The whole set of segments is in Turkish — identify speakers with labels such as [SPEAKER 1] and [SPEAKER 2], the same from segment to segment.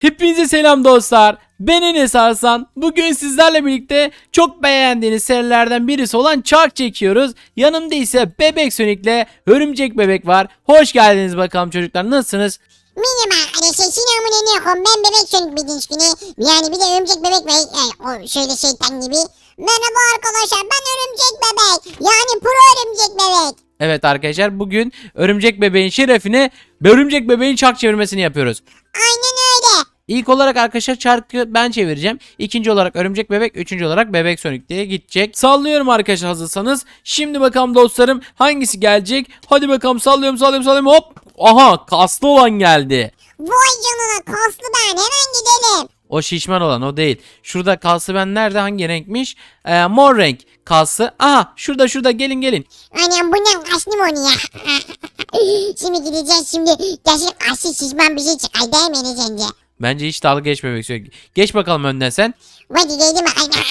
[SPEAKER 1] Hepinize selam dostlar. Ben Enes Arslan. Bugün sizlerle birlikte çok beğendiğiniz serilerden birisi olan Çark çekiyoruz. Yanımda ise Bebek Sonic'le Örümcek Bebek var. Hoş geldiniz bakalım çocuklar. Nasılsınız?
[SPEAKER 2] Merhaba arkadaşlar, selamünaleyküm. Ben Bebek Sonic bildiğiniz gibi. Yani bir de örümcek bebek ve o şöyle şeytan gibi. Merhaba arkadaşlar, ben örümcek bebek. Yani pro örümcek bebek.
[SPEAKER 1] Evet arkadaşlar, bugün Örümcek Bebeğin şerefine Örümcek Bebeğin çark çevirmesini yapıyoruz.
[SPEAKER 2] Aynen öyle.
[SPEAKER 1] İlk olarak arkadaşlar çarkı ben çevireceğim. İkinci olarak Örümcek Bebek, üçüncü olarak Bebek Sonic diye gidecek. Sallıyorum arkadaşlar, hazırsanız. Şimdi bakalım dostlarım, hangisi gelecek? Hadi bakalım, sallıyorum hop. Aha, kaslı olan geldi.
[SPEAKER 2] Vay canına, kaslı ben. Hemen gidelim.
[SPEAKER 1] O şişman olan o değil. Şurada kaslı ben nerede, hangi renkmiş? Mor renk kaslı. Aha, şurada gelin.
[SPEAKER 2] Anam bundan kaslı mı onu ya? Şimdi gideceğiz şimdi. Gerçek kaslı şişman bir şey çıkar değil mi Enes amca?
[SPEAKER 1] Bence hiç dalga geçmemek istiyor. Geç bakalım önden sen.
[SPEAKER 2] Hadi gidelim.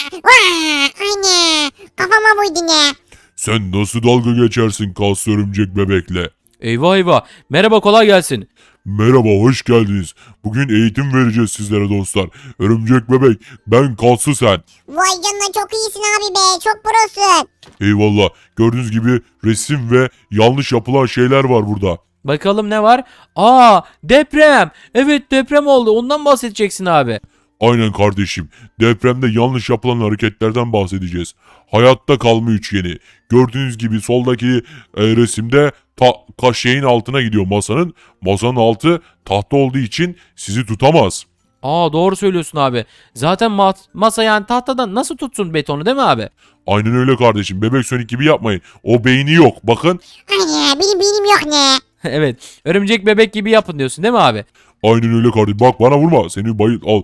[SPEAKER 2] Ana. Kafama vurdu ne?
[SPEAKER 3] Sen nasıl dalga geçersin kaslı örümcek bebekle?
[SPEAKER 1] Eyvah. Merhaba, kolay gelsin.
[SPEAKER 3] Merhaba, hoş geldiniz. Bugün eğitim vereceğiz sizlere dostlar. Örümcek bebek, ben kaslı sen.
[SPEAKER 2] Vay canına, çok iyisin abi be. Çok prosun.
[SPEAKER 3] Eyvallah. Gördüğünüz gibi resim ve yanlış yapılan şeyler var burada.
[SPEAKER 1] Bakalım ne var? Aa, deprem. Evet, deprem oldu. Ondan bahsedeceksin abi.
[SPEAKER 3] Aynen kardeşim. Depremde yanlış yapılan hareketlerden bahsedeceğiz. Hayatta kalma üçgeni. Gördüğünüz gibi soldaki resimde şeyin altına gidiyor masanın. Masanın altı tahta olduğu için sizi tutamaz.
[SPEAKER 1] Aa, doğru söylüyorsun abi. Zaten masa yani tahtadan nasıl tutsun betonu, değil mi abi?
[SPEAKER 3] Aynen öyle kardeşim. Bebek Sonic gibi yapmayın. O beyni yok. Bakın.
[SPEAKER 2] Ana, benim yok ne?
[SPEAKER 1] Evet. Örümcek bebek gibi yapın diyorsun, değil mi abi?
[SPEAKER 3] Aynen öyle kardeşim. Bak bana vurma. Seni bayıl al.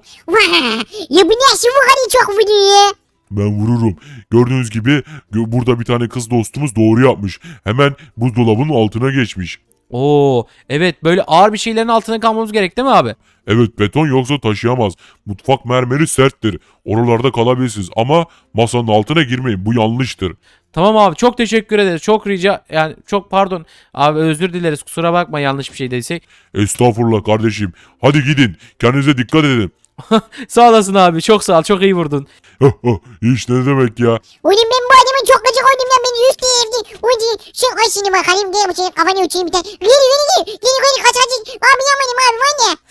[SPEAKER 2] Ya bu nasıl bu kadar çok vuruyor?
[SPEAKER 3] Ben vururum. Gördüğünüz gibi burada bir tane kız dostumuz doğru yapmış. Hemen buzdolabının altına geçmiş.
[SPEAKER 1] Oo, evet, böyle ağır bir şeylerin altına kalmamız gerek, değil mi abi?
[SPEAKER 3] Evet, beton yoksa taşıyamaz. Mutfak mermeri serttir. Oralarda kalabilirsiniz ama masanın altına girmeyin. Bu yanlıştır.
[SPEAKER 1] Tamam abi, çok teşekkür ederiz. Çok çok pardon. Abi özür dileriz, kusura bakma yanlış bir şey dediysek.
[SPEAKER 3] Estağfurullah kardeşim. Hadi gidin. Kendinize dikkat edin.
[SPEAKER 1] Sağ olasın abi, çok sağ ol, çok iyi vurdun.
[SPEAKER 3] Hiç ne demek ya.
[SPEAKER 2] Oğlum ben bu adamın çok gıcık oldum ya, beni yüz değirdi. Oğlum şu aşını bakalım, gel bu senin kafanı uçayım bir tane. Geri kaçacak. Abi yapmadım abi, var ya.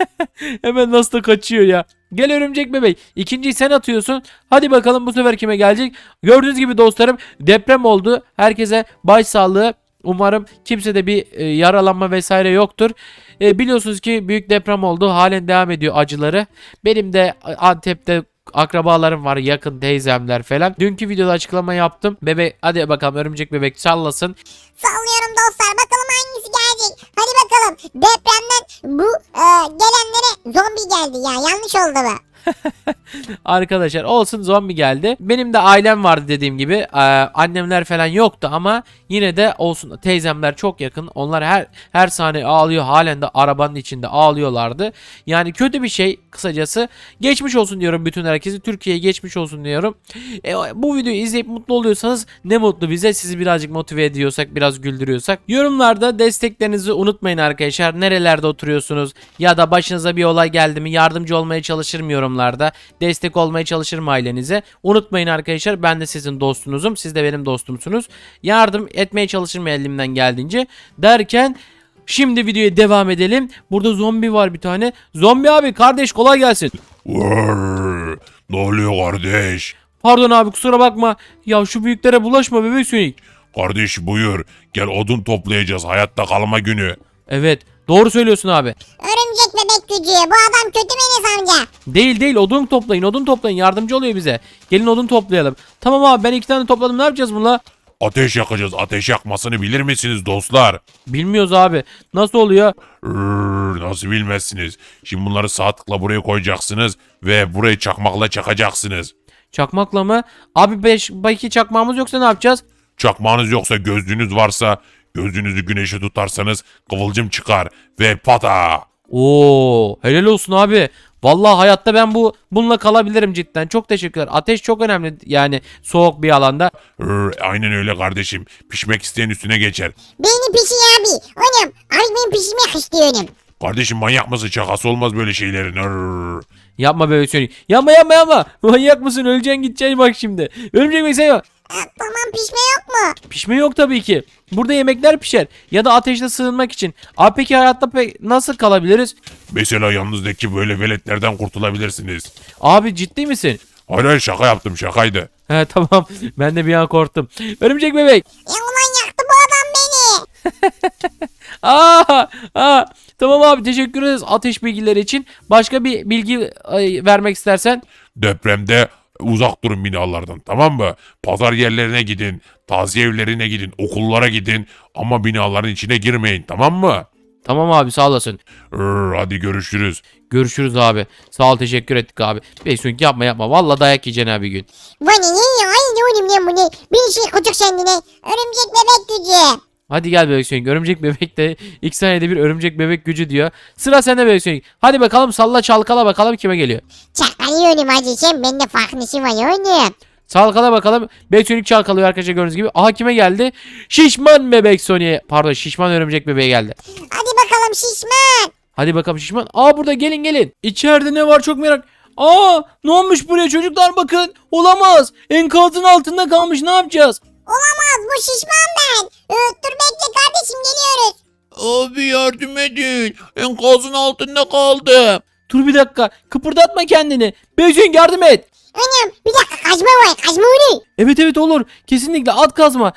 [SPEAKER 1] Hemen nasıl da kaçıyor ya. Gel örümcek bebek. İkinciyi sen atıyorsun. Hadi bakalım bu sefer kime gelecek? Gördüğünüz gibi dostlarım, deprem oldu. Herkese başsağlığı. Umarım kimsede bir yaralanma vesaire yoktur. Biliyorsunuz ki büyük deprem oldu. Halen devam ediyor acıları. Benim de Antep'te akrabalarım var, yakın teyzemler falan. Dünkü videoda açıklama yaptım. Bebek, hadi bakalım örümcek bebek sallasın.
[SPEAKER 2] Sallıyorum dostlar, bakalım hangisi gelecek. Hadi bakalım, depremden bu gelenlere zombi geldi ya, yanlış oldu bu.
[SPEAKER 1] Arkadaşlar olsun, zombi geldi. Benim de ailem vardı dediğim gibi. Annemler falan yoktu ama yine de olsun, teyzemler çok yakın. Onlar her saniye ağlıyor. Halen de arabanın içinde ağlıyorlardı. Yani kötü bir şey kısacası. Geçmiş olsun diyorum bütün herkese. Türkiye'ye geçmiş olsun diyorum. Bu videoyu izleyip mutlu oluyorsanız ne mutlu bize. Sizi birazcık motive ediyorsak, biraz güldürüyorsak. Yorumlarda desteklerinizi unutmayın arkadaşlar. Nerelerde oturuyorsunuz ya da başınıza bir olay geldi mi yardımcı olmaya çalışırım yorumlarda. Destek olmaya çalışırım ailenize. Unutmayın arkadaşlar, ben de sizin dostunuzum. Siz de benim dostumsunuz. Yardım etmeye çalışırım elimden geldiğince. Derken şimdi videoya devam edelim. Burada zombi var bir tane. Zombi abi, kardeş kolay gelsin.
[SPEAKER 3] Vırr. Ne oluyor kardeş?
[SPEAKER 1] Pardon abi, kusura bakma. Ya şu büyüklere bulaşma Bebek Sonic.
[SPEAKER 3] Kardeş buyur. Gel odun toplayacağız. Hayatta kalma günü.
[SPEAKER 1] Evet, doğru söylüyorsun abi.
[SPEAKER 2] Örümcek bebek gücü, bu adam kötü mü Enes amca?
[SPEAKER 1] Değil, odun toplayın, yardımcı oluyor bize. Gelin odun toplayalım. Tamam abi, ben 2 tane topladım, ne yapacağız bununla?
[SPEAKER 3] Ateş yakacağız. Ateş yakmasını bilir misiniz dostlar?
[SPEAKER 1] Bilmiyoruz abi, nasıl oluyor?
[SPEAKER 3] Nasıl bilmezsiniz? Şimdi bunları sağ tıkla buraya koyacaksınız ve burayı çakmakla çakacaksınız.
[SPEAKER 1] Çakmakla mı? Abi belki çakmağımız yoksa ne yapacağız?
[SPEAKER 3] Çakmağınız yoksa, gözlüğünüz varsa, gözlüğünüzü güneşe tutarsanız kıvılcım çıkar ve pata.
[SPEAKER 1] Oo, helal olsun abi. Vallahi hayatta ben bununla kalabilirim cidden. Çok teşekkürler. Ateş çok önemli yani soğuk bir alanda.
[SPEAKER 3] Aynen öyle kardeşim. Pişmek isteyen üstüne geçer.
[SPEAKER 2] Beni pişir abi. Oğlum abi, ben pişirmek istiyorum.
[SPEAKER 3] Kardeşim manyak mısın? Şakası olmaz böyle şeylerin. Arr.
[SPEAKER 1] Yapma bebek Sonic. Yapma. Manyak mısın? Öleceksin gideceksin bak şimdi. Örümcek bebek sen
[SPEAKER 2] Tamam pişme yok mu?
[SPEAKER 1] pişme yok tabii ki. Burada yemekler pişer. Ya da ateşte sığınmak için. Abi peki hayatta nasıl kalabiliriz?
[SPEAKER 3] Mesela yanınızdaki böyle veletlerden kurtulabilirsiniz.
[SPEAKER 1] Abi ciddi misin?
[SPEAKER 3] Hayır hayır şaka yaptım şakaydı.
[SPEAKER 1] He tamam. Ben de bir an korktum. Örümcek bebek.
[SPEAKER 2] Ya ulan yaktı bu adam beni.
[SPEAKER 1] Aa, tamam abi teşekkür ederiz ateş bilgileri için. Başka bir bilgi vermek istersen.
[SPEAKER 3] Depremde uzak durun binalardan, tamam mı? Pazar yerlerine gidin, taziye evlerine gidin, okullara gidin ama binaların içine girmeyin, tamam mı?
[SPEAKER 1] Tamam abi sağ olasın.
[SPEAKER 3] Hadi görüşürüz.
[SPEAKER 1] Görüşürüz abi. Sağ ol teşekkür ettik abi. Beysun yapma. Vallahi dayak yiyeceksin abi bir gün.
[SPEAKER 2] Bu ne ya? Aynı oğlum lan bu ne? Bir şey kucuk kendine. Örümcek bebek gücü.
[SPEAKER 1] Hadi gel bebek Sonic. Örümcek bebek de ilk saniyede bir örümcek bebek gücü diyor. Sıra sende bebek Sonic. Hadi bakalım salla çalkala bakalım kime geliyor.
[SPEAKER 2] Çakalıyorum hacı sen bende farklısı var oğlum.
[SPEAKER 1] Çalkala bakalım. Bebek Sonic çalkalıyor arkadaşlar gördüğünüz gibi. Aha kime geldi? Şişman bebek Sonic. Pardon şişman örümcek bebeğe geldi.
[SPEAKER 2] Hadi bakalım şişman.
[SPEAKER 1] Hadi bakalım şişman. Aa burada gelin. İçeride ne var çok merak. Aa ne olmuş buraya çocuklar bakın. Olamaz. Enkazın altında kalmış ne yapacağız?
[SPEAKER 2] Olamaz bu şişman ben. Dur bekle kardeşim geliyoruz.
[SPEAKER 4] Abi yardım edin. Enkazın altında kaldım.
[SPEAKER 1] Dur bir dakika. Kıpırdatma kendini. Bebek Sonic yardım et.
[SPEAKER 2] Anam bir dakika kazma var kazma onu.
[SPEAKER 1] Evet olur. Kesinlikle at kazma.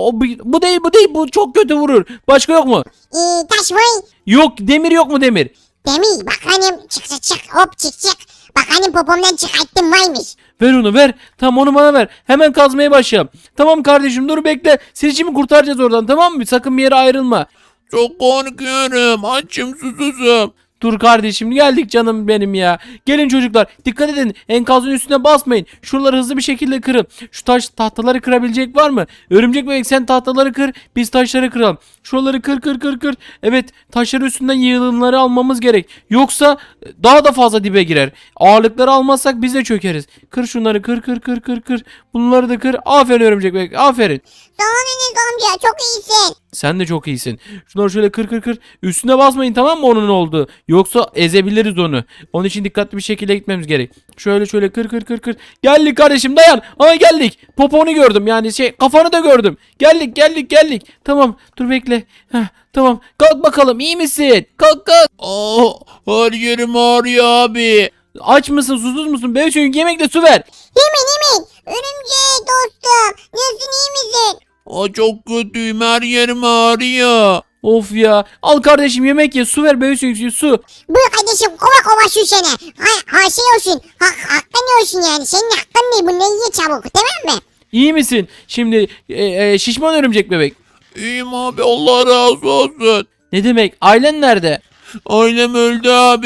[SPEAKER 1] Bu değil bu çok kötü vurur. Başka yok mu?
[SPEAKER 2] Taş var.
[SPEAKER 1] Yok demir yok mu demir?
[SPEAKER 2] Demir bak hanım çık hop çık. Bak hanım popomdan çıkarttım varmış.
[SPEAKER 1] Ver onu ver. Tamam onu bana ver. Hemen kazmaya başlayalım. Tamam kardeşim dur bekle. Seni şimdi kurtaracağız oradan tamam mı? Sakın bir yere ayrılma.
[SPEAKER 4] Çok korkuyorum. Açım susuzum.
[SPEAKER 1] Dur kardeşim geldik canım benim ya. Gelin çocuklar dikkat edin enkazın üstüne basmayın. Şuraları hızlı bir şekilde kırın. Şu tahtaları kırabilecek var mı? Örümcek bebek sen tahtaları kır biz taşları kıralım. Şuraları kır. Evet taşları üstünden yığınları almamız gerek. Yoksa daha da fazla dibe girer. Ağırlıkları almazsak biz de çökeriz. Kır şunları kır. Bunları da kır. Aferin örümcek bebek aferin.
[SPEAKER 2] Sağ ol Enes amca çok iyisin.
[SPEAKER 1] Sen de çok iyisin. Şunları şöyle kır. Üstüne basmayın tamam mı onun olduğu. Yoksa ezebiliriz onu. Onun için dikkatli bir şekilde gitmemiz gerek. Şöyle kır. Geldik kardeşim dayan. Ama geldik. Poponu gördüm yani kafanı da gördüm. Geldik. Tamam dur bekle. Heh, tamam kalk bakalım iyi misin? Kalk.
[SPEAKER 4] Aa, her yerim ağrıyor abi.
[SPEAKER 1] Aç mısın susuz musun? Bebek çünkü yemekle su ver.
[SPEAKER 2] Hemen. Örümcek dostum. Nasılsın iyi misin?
[SPEAKER 4] Aa, çok kötüyüm. Her yerim ağrıyor.
[SPEAKER 1] Of ya. Al kardeşim yemek ye su ver bebek çünkü su.
[SPEAKER 2] Buyur kardeşim kova şu sene. Ha şey olsun. Hakkın olsun yani. Senin hakkın ne? Bunları ye çabuk tamam mı?
[SPEAKER 1] İyi misin? Şimdi şişman örümcek bebek.
[SPEAKER 4] İyiyim abi. Allah razı olsun.
[SPEAKER 1] Ne demek? Ailen nerede?
[SPEAKER 4] Ailem öldü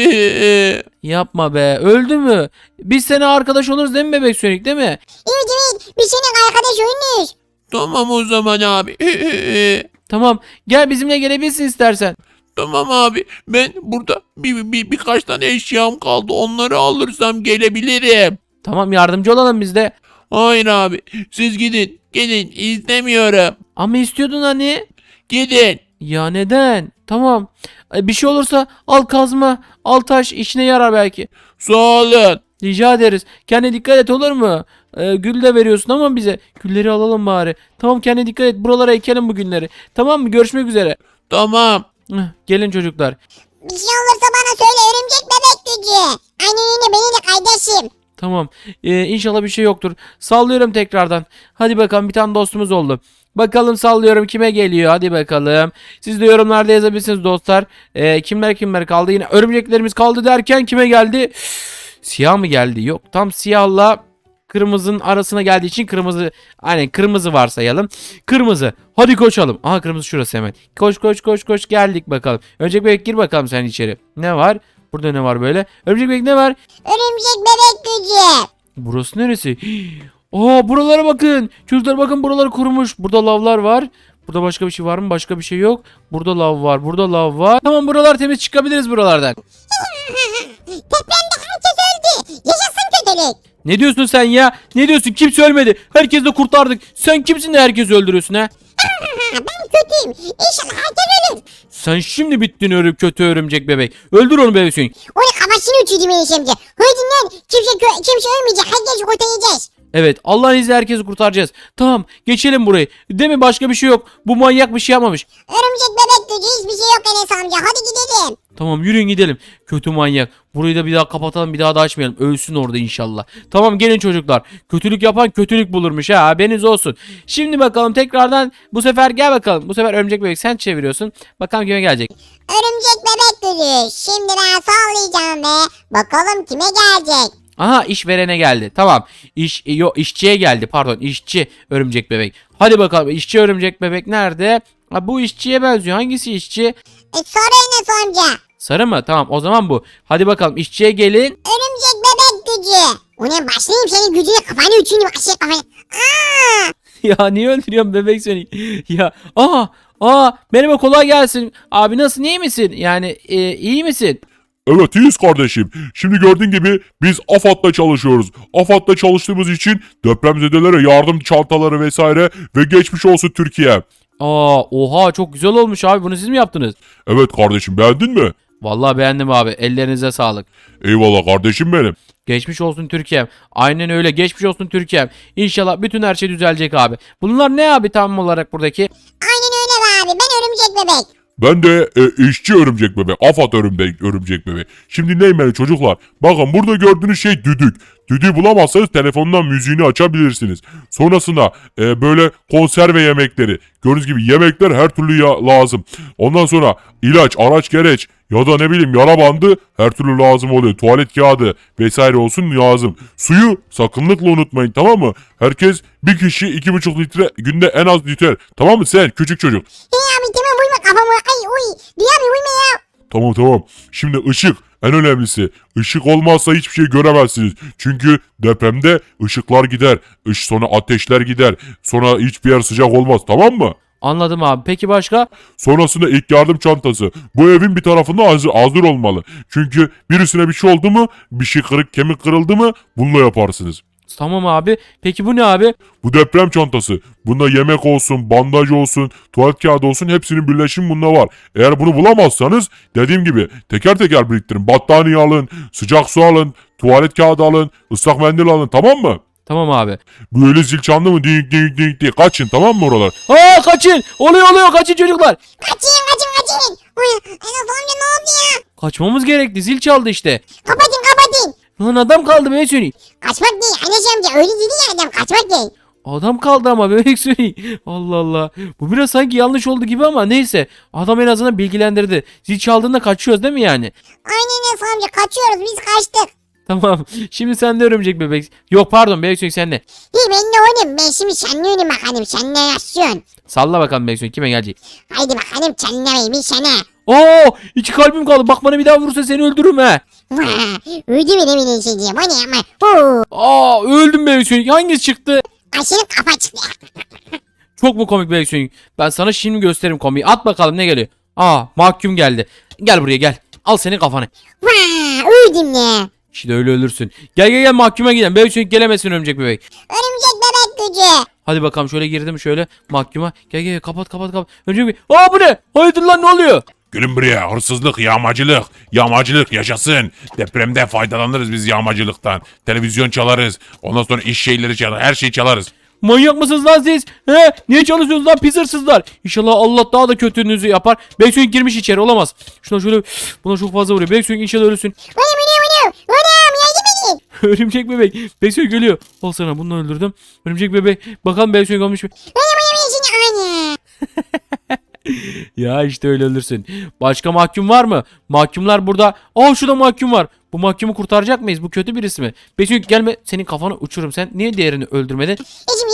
[SPEAKER 4] abi.
[SPEAKER 1] Yapma be. Öldü mü? Biz seninle arkadaş oluruz değil mi bebek Sonic değil mi?
[SPEAKER 2] Evet. Biz senin arkadaş oynuyoruz.
[SPEAKER 4] Tamam o zaman abi.
[SPEAKER 1] Tamam. Gel bizimle gelebilirsin istersen.
[SPEAKER 4] Tamam abi. Ben burada birkaç tane eşyam kaldı. Onları alırsam gelebilirim.
[SPEAKER 1] Tamam yardımcı olalım biz de.
[SPEAKER 4] Hayır abi. Siz gidin. Gidin. İstemiyorum.
[SPEAKER 1] Ama istiyordun hani.
[SPEAKER 4] Gidin.
[SPEAKER 1] Ya neden? Tamam. Bir şey olursa al kazma, al taş işine yarar belki.
[SPEAKER 4] Sağ olun.
[SPEAKER 1] Rica ederiz. Kendine dikkat et olur mu? Gül de veriyorsun ama bize. Gülleri alalım bari. Tamam kendine dikkat et. Buralara ekelim bu günleri. Tamam mı? Görüşmek üzere.
[SPEAKER 4] Tamam.
[SPEAKER 1] Gelin çocuklar.
[SPEAKER 2] Bir şey olursa bana söyle örümcek bebek gücü. Aynen öyle benim de kardeşim.
[SPEAKER 1] Tamam. İnşallah bir şey yoktur. Sallıyorum tekrardan. Hadi bakalım bir tane dostumuz oldu. Bakalım sallıyorum kime geliyor. Hadi bakalım. Siz de yorumlarda yazabilirsiniz dostlar. Kimler kaldı. Yine örümceklerimiz kaldı derken kime geldi? Siyah mı geldi? Yok. Tam siyahla kırmızının arasına geldiği için kırmızı. Aynen kırmızı varsayalım. Kırmızı. Hadi koşalım. Aha kırmızı şurası hemen. Koş geldik bakalım. Örümcek bebek gir bakalım sen içeri. Ne var? Burada ne var böyle? Örümcek bebek ne var?
[SPEAKER 2] Örümcek bebek gücü.
[SPEAKER 1] Burası neresi? Aa buralara bakın. Çocuklar bakın buralar kurumuş. Burada lavlar var. Burada başka bir şey var mı? Başka bir şey yok. Burada lav var. Burada lav var. Tamam buralar temiz çıkabiliriz buralardan.
[SPEAKER 2] Depremde herkes öldü. Yaşasın kötülük.
[SPEAKER 1] Ne diyorsun sen ya? Ne diyorsun? Kimse ölmedi. Herkesi de kurtardık. Sen kimsin de herkesi öldürüyorsun ha?
[SPEAKER 2] Ben kötüyüm. İnşallah herkes ölür.
[SPEAKER 1] Sen şimdi bittin kötü örümcek bebek. Öldür onu bebek Sonic.
[SPEAKER 2] Onu kafasını uçurdu Enes amca. Hadi lan kimse ölmeyecek. Herkesi kurtaracağız.
[SPEAKER 1] Evet, Allah'ın izniyle herkesi kurtaracağız. Tamam, geçelim burayı. Değil mi, başka bir şey yok. Bu manyak bir şey yapmamış.
[SPEAKER 2] Örümcek bebek gücü hiçbir şey yok Enes amca. Hadi gidelim.
[SPEAKER 1] Tamam, yürüyün gidelim. Kötü manyak. Burayı da bir daha kapatalım, bir daha da açmayalım. Ölsün orada inşallah. Tamam, gelin çocuklar. Kötülük yapan kötülük bulurmuş ha, haberiniz olsun. Şimdi bakalım tekrardan, bu sefer gel bakalım. Bu sefer örümcek bebek sen çeviriyorsun. Bakalım kime gelecek.
[SPEAKER 2] Örümcek bebek gücü. Şimdi ben sallayacağım ve bakalım kime gelecek.
[SPEAKER 1] Aha, işverene geldi. Tamam. İşçiye geldi. Pardon, işçi örümcek bebek. Hadi bakalım, işçi örümcek bebek nerede? Ha, bu işçiye benziyor. Hangisi işçi?
[SPEAKER 2] Sarı Enes amca.
[SPEAKER 1] Sarı mı? Tamam, o zaman bu. Hadi bakalım, işçiye gelin.
[SPEAKER 2] Örümcek bebek gücü. Ona başlayayım senin gücüne kafanı uçurayım. Başlayayım kafanı. Aa!
[SPEAKER 1] Ya niye öldürüyorsun bebek seni? Ya merhaba, kolay gelsin. Abi nasılsın, iyi misin? Yani iyi misin?
[SPEAKER 3] Evet iyiyiz kardeşim. Şimdi gördüğün gibi biz AFAD'la çalışıyoruz. AFAD'la çalıştığımız için depremzedelere yardım çantaları vesaire ve geçmiş olsun Türkiye.
[SPEAKER 1] Oha, çok güzel olmuş abi, bunu siz mi yaptınız?
[SPEAKER 3] Evet kardeşim beğendin mi?
[SPEAKER 1] Vallahi beğendim abi, ellerinize sağlık.
[SPEAKER 3] Eyvallah kardeşim benim.
[SPEAKER 1] Geçmiş olsun Türkiye'm. Aynen öyle, geçmiş olsun Türkiye'm. İnşallah bütün her şey düzelecek abi. Bunlar ne abi tam olarak buradaki?
[SPEAKER 2] Aynen öyle be abi. Ben örümcek bebek.
[SPEAKER 3] Ben de işçi örümcek bebek. AFAD örümcek bebek. Şimdi dinleyin beni çocuklar. Bakın burada gördüğünüz şey düdük. Düdüğü bulamazsanız telefondan müziğini açabilirsiniz. Sonrasında böyle konserve yemekleri. Gördüğünüz gibi yemekler her türlü lazım. Ondan sonra ilaç, araç gereç ya da ne bileyim yara bandı her türlü lazım oluyor. Tuvalet kağıdı vesaire olsun lazım. Suyu sakınlıkla unutmayın, tamam mı? Herkes bir kişi 2,5 litre günde en az litre. Tamam mı sen küçük çocuk?
[SPEAKER 2] Hey abi tamam vurma kafamı. Ay uy. Diyor abi vurma ya.
[SPEAKER 3] Tamam. Şimdi ışık en önemlisi. Işık olmazsa hiçbir şey göremezsiniz. Çünkü depremde ışıklar gider. Sonra ateşler gider. Sonra hiçbir yer sıcak olmaz, tamam mı?
[SPEAKER 1] Anladım abi. Peki başka?
[SPEAKER 3] Sonrasında ilk yardım çantası. Bu evin bir tarafında hazır olmalı. Çünkü birisine bir şey oldu mu, bir şey kemik kırıldı mı bununla yaparsınız.
[SPEAKER 1] Tamam abi. Peki bu ne abi?
[SPEAKER 3] Bu deprem çantası. Bunda yemek olsun, bandaj olsun, tuvalet kağıdı olsun hepsinin birleşimi bunda var. Eğer bunu bulamazsanız dediğim gibi teker teker biriktirin. Battaniye alın, sıcak su alın, tuvalet kağıdı alın, ıslak mendil alın, tamam mı?
[SPEAKER 1] Tamam abi.
[SPEAKER 3] Böyle zil çaldı mı ding ding ding diye kaçın, tamam mı oralar?
[SPEAKER 1] Kaçın. Oluyor kaçın çocuklar.
[SPEAKER 2] Kaçın. Uy. Enes amca ne oldu ya?
[SPEAKER 1] Kaçmamız gerekti. Zil çaldı işte.
[SPEAKER 2] Kapatın.
[SPEAKER 1] Lan adam kaldı bebek Sonic.
[SPEAKER 2] Kaçmak değil. Enes amca öyle dedi ya adam kaçmak değil.
[SPEAKER 1] Adam kaldı ama bebek Sonic. Allah Allah. Bu biraz sanki yanlış oldu gibi ama neyse. Adam en azından bilgilendirdi. Zil çaldığında kaçıyoruz değil mi yani?
[SPEAKER 2] Aynen Enes amca kaçıyoruz biz kaçtık.
[SPEAKER 1] Tamam. Şimdi sen de örümcek bebek. Yok pardon, bebek Sonic sen de.
[SPEAKER 2] İyi ben de oynayayım. Ben şimdi seninle oynayayım bakalım. Sen ne yaşıyorsun?
[SPEAKER 1] Salla bakalım bebek Sonic kime gelecek.
[SPEAKER 2] Haydi bakalım seninle bir sana.
[SPEAKER 1] İki kalbim kaldı. Bak bana bir daha vurursa seni öldürürüm he.
[SPEAKER 2] Öldü benim ineceğim. O ne ama?
[SPEAKER 1] Öldüm bebek Sonic. Hangisi çıktı?
[SPEAKER 2] Aşırı kafa çıktı.
[SPEAKER 1] Çok mu komik bebek Sonic? Ben sana şimdi gösteririm komiği. At bakalım ne geliyor. Mahkum geldi. Gel buraya gel. Al senin kafanı.
[SPEAKER 2] Öldüm ne?
[SPEAKER 1] İşte öyle ölürsün. Gel mahkuma gidelim. Bebek Sonic gelemesin örümcek bebek.
[SPEAKER 2] Örümcek bebek gücü.
[SPEAKER 1] Hadi bakalım şöyle girdim şöyle mahkuma. Gel kapat. Örümcek bebek. Bu ne? Hayırdır lan, ne oluyor?
[SPEAKER 3] Gelin buraya, hırsızlık, yağmacılık yaşasın. Depremde faydalanırız biz yağmacılıktan. Televizyon çalarız, ondan sonra iş şeyleri çalarız, her şeyi çalarız.
[SPEAKER 1] Manyak mısınız lan siz? Niye çalışıyorsunuz lan pis hırsızlar? İnşallah Allah daha da kötülüğünüzü yapar. Bebek Sonic girmiş içeri, olamaz. Şuna şöyle, buna çok fazla vuruyor. Bebek Sonic inşallah ölürsün.
[SPEAKER 2] Anam yardım edin.
[SPEAKER 1] Örümcek bebek. Bebek Sonic geliyor. Al sana, bunu öldürdüm. Örümcek bebek. Bakalım Bebek Sonic olmuş mu?
[SPEAKER 2] Anam.
[SPEAKER 1] Ya işte öyle ölürsün. Başka mahkum var mı? Mahkumlar burada. Şurada mahkum var. Bu mahkumu kurtaracak mıyız? Bu kötü birisi mi? Bebek Sonic gelme. Senin kafanı uçururum. Sen niye diğerini öldürmedin?
[SPEAKER 2] Eşim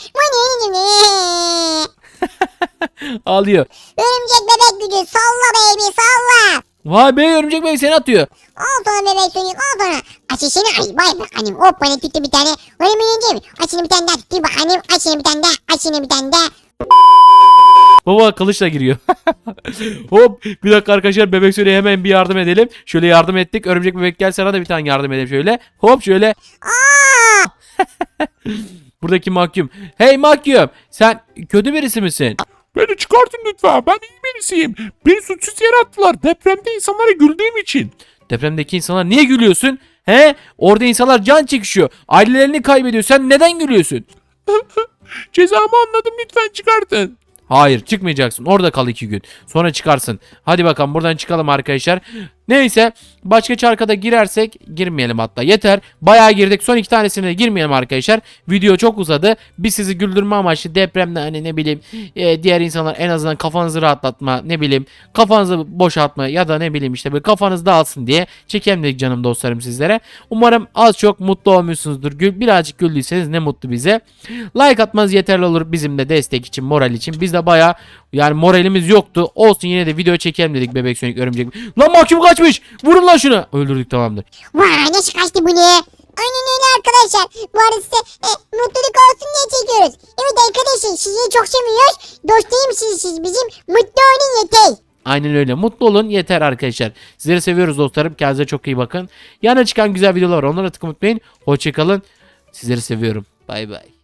[SPEAKER 1] Ağlıyor.
[SPEAKER 2] Örümcek bebek gücü salla baby salla.
[SPEAKER 1] Vay be, örümcek bebek seni atıyor.
[SPEAKER 2] Al sana bebek Sonic al sana. Ateşini ay bay bakalım. Hop bana tuttu bir tane. Öyle mi yiyeceğim? Açını bir tane daha tuttu bakalım. Açını bir tane daha.
[SPEAKER 1] Baba kılıçla giriyor. Hop, bir dakika arkadaşlar, bebek Sonic'e hemen bir yardım edelim. Şöyle yardım ettik. Örümcek bebek gel, sana da bir tane yardım edelim şöyle. Hop şöyle. Buradaki mahkum. Hey mahkum, sen kötü birisi misin?
[SPEAKER 4] Beni çıkartın lütfen. Ben iyi birisiyim. Beni suçsuz yere attılar. Depremde insanlara güldüğüm için.
[SPEAKER 1] Depremdeki insanlar niye gülüyorsun? He? Orada insanlar can çekişiyor. Ailelerini kaybediyor. Sen neden gülüyorsun?
[SPEAKER 4] Cezamı anladım, lütfen çıkartın.
[SPEAKER 1] Hayır, çıkmayacaksın. Orada kal 2 gün. Sonra çıkarsın. Hadi bakalım buradan çıkalım arkadaşlar. Neyse, başka çarkada girersek girmeyelim hatta. Yeter. Bayağı girdik. Son 2 tanesine de girmeyelim arkadaşlar. Video çok uzadı. Biz sizi güldürme amaçlı depremde hani ne bileyim diğer insanlar en azından kafanızı rahatlatma, ne bileyim kafanızı boşaltma ya da ne bileyim işte böyle kafanız dağılsın diye çekelim dedik canım dostlarım sizlere. Umarım az çok mutlu olmuşsunuzdur. Birazcık güldüyseniz ne mutlu bize. Like atmanız yeterli olur bizim de destek için, moral için. Biz de bayağı yani moralimiz yoktu. Olsun, yine de video çekelim dedik Bebek Sonic örümcek. Lan mahkum kaçmış. Vurun lan şunu. Öldürdük, tamamdır.
[SPEAKER 2] Vay nasıl kaçtı bu ne? Aynen öyle arkadaşlar. Bu arada size mutluluk olsun diye çekiyoruz. Evet arkadaşlar sizi çok seviyoruz. Dost değil misiniz siz bizim? Mutlu olun yeter.
[SPEAKER 1] Aynen öyle. Mutlu olun yeter arkadaşlar. Sizleri seviyoruz dostlarım. Kendinize çok iyi bakın. Yana çıkan güzel videolar var. Onlara tıklamayı unutmayın. Hoşçakalın. Sizleri seviyorum. Bay bay.